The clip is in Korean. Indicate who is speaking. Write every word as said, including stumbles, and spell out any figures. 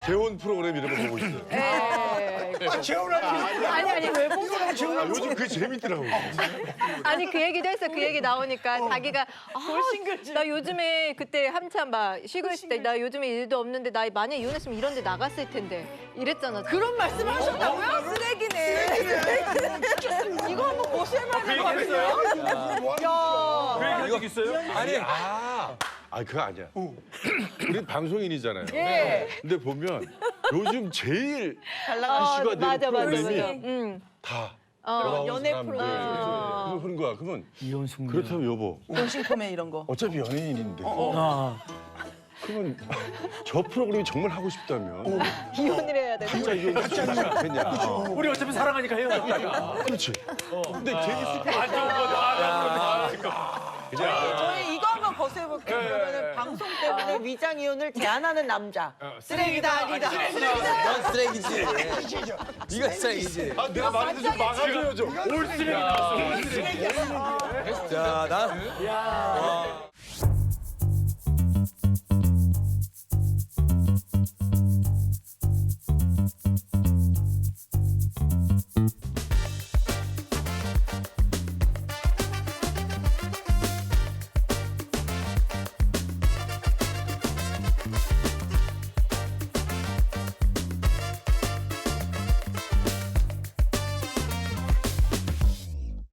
Speaker 1: 재혼 프로그램 이런 거 보고 있어요.
Speaker 2: 예.
Speaker 3: 아, 재혼하지.
Speaker 2: 아니 아니 왜 보고
Speaker 1: 아, 요즘 그게 재밌더라고.
Speaker 2: 아니 그 얘기도 했어. 그 얘기 나오니까 자기가 아, 나 요즘에 그때 한참 막 쉬고 있을 때 나 요즘에 일도 없는데 나 만약에 이혼했으면 이런 데 나갔을 텐데 이랬잖아.
Speaker 4: 그런 말씀 하셨다고요? 쓰레기네. 이거 한번 보실 만한 거 같아요.
Speaker 3: 그 얘기 한 적 있어요?
Speaker 1: 아니, 아. 아, 그거 아니야. 우리 방송인이잖아요.
Speaker 4: 예.
Speaker 1: 근데 보면 요즘 제일
Speaker 4: 잘
Speaker 2: 어,
Speaker 4: 나가시고.
Speaker 1: 이슈가 되는
Speaker 2: 맞아 맞아
Speaker 1: 프로그램이
Speaker 2: 맞아. 응.
Speaker 1: 다
Speaker 2: 어,
Speaker 1: 돌아온
Speaker 4: 연애
Speaker 1: 사람들.
Speaker 4: 프로그램.
Speaker 1: 그거 그런 거야. 그러면
Speaker 3: 이혼 숙녀.
Speaker 1: 그렇다면 여보,
Speaker 4: 본신 코멘 이런 거.
Speaker 1: 어차피 연예인인데.
Speaker 3: 아.
Speaker 1: 그러면 저 프로그램이 정말 하고 싶다면
Speaker 2: 이혼을 해야 돼.
Speaker 1: 진짜 이혼하지 않겠냐.
Speaker 3: 우리 어차피 사랑하니까 해요.
Speaker 1: 그렇지. 근데 재밌을 것
Speaker 3: 안 좋은 거다.
Speaker 4: 저희 이거 한번 거세볼게요. 그러면은 방송 때문에 위장 이혼을 제안하는 남자. 쓰레기다 아니다.
Speaker 5: 넌 쓰레기지. 네가 쓰레기지.
Speaker 1: 아, 내가 말해도 좀 막아줘야죠.
Speaker 3: 올 쓰레기 나왔어. 올 쓰레기.
Speaker 5: 자, 나.